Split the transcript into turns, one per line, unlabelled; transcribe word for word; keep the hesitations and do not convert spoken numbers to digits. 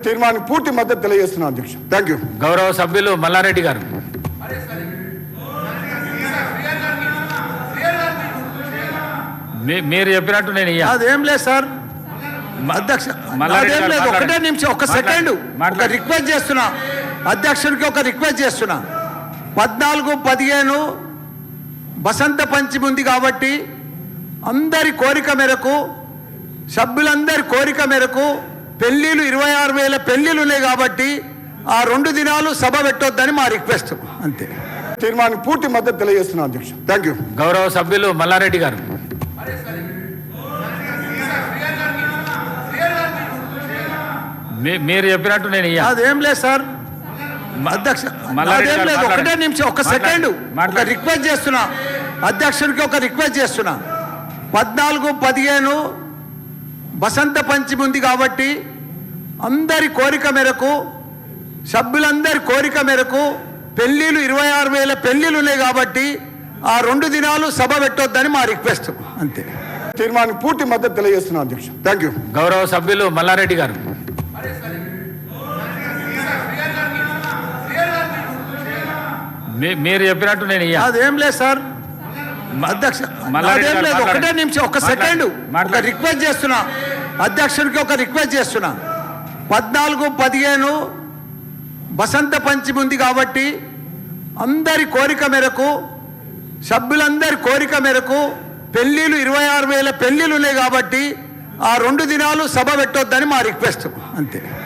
తీర్మానానికి పూర్తి మద్దతు తెలియజేస్తున్నాను అధ్యక్ష. Thank you.
గౌరవ సభ్యులు మల్లారెడ్డి గారు. మీరు చెప్పినట్టు నేను
అదేం లేదు సార్ అధ్యక్ష, అదేం లేదు. ఒకటే నిమిషం, ఒక సెకండ్, ఒక రిక్వెస్ట్ చేస్తున్నా అధ్యక్షుడికి, ఒక రిక్వెస్ట్ చేస్తున్నా. పద్నాలుగు పదిహేను వసంత పంచమి ఉంది కాబట్టి అందరి కోరిక మేరకు, సభ్యులందరి కోరిక మేరకు పెళ్లిళ్ళు ఇరవై ఆరు వేల పెళ్లిళ్ళు ఉన్నాయి కాబట్టి ఆ రెండు దినాలు సభ పెట్టొద్దని మా రిక్వెస్ట్, అంతే.
తీర్మానానికి పూర్తి మద్దతు తెలియజేస్తున్నాను అధ్యక్ష. Thank you.
గౌరవ సభ్యులు మల్లారెడ్డి గారు. మీరు చెప్పినట్టు నేను
అదేం లేదు సార్ అధ్యక్ష, అదేం లేదు. ఒకటే నిమిషం, ఒక సెకండ్, ఒక రిక్వెస్ట్ చేస్తున్నా అధ్యక్షుడికి, ఒక రిక్వెస్ట్ చేస్తున్నా. పద్నాలుగు పదిహేను వసంత పంచమి ఉంది కాబట్టి అందరి కోరిక మేరకు, సభ్యులందరి కోరిక మేరకు పెళ్లిళ్ళు ఇరవై ఆరు వేల పెళ్లిళ్ళు ఉన్నాయి కాబట్టి ఆ రెండు దినాలు సభ పెట్టొద్దని మా రిక్వెస్ట్, అంతే.
తీర్మానానికి పూర్తి మద్దతు తెలియజేస్తున్నాను అధ్యక్ష. Thank you.
గౌరవ సభ్యులు మల్లారెడ్డి గారు. మీరు చెప్పినట్టు నేను
అదేం లేదు సార్ అధ్యక్ష, అదేం లేదు. ఒకటే నిమిషం, ఒక సెకండ్, ఒక రిక్వెస్ట్ చేస్తున్నా అధ్యక్షుడికి, ఒక రిక్వెస్ట్ చేస్తున్నా. పద్నాలుగు పదిహేను వసంత పంచమి ఉంది కాబట్టి అందరి కోరిక మేరకు, సభ్యులందరి కోరిక మేరకు పెళ్లిళ్ళు ఇరవై ఆరు వేల పెళ్లిళ్ళు ఉన్నాయి కాబట్టి ఆ రెండు దినాలు సభ పెట్టొద్దని మా రిక్వెస్ట్, అంతే.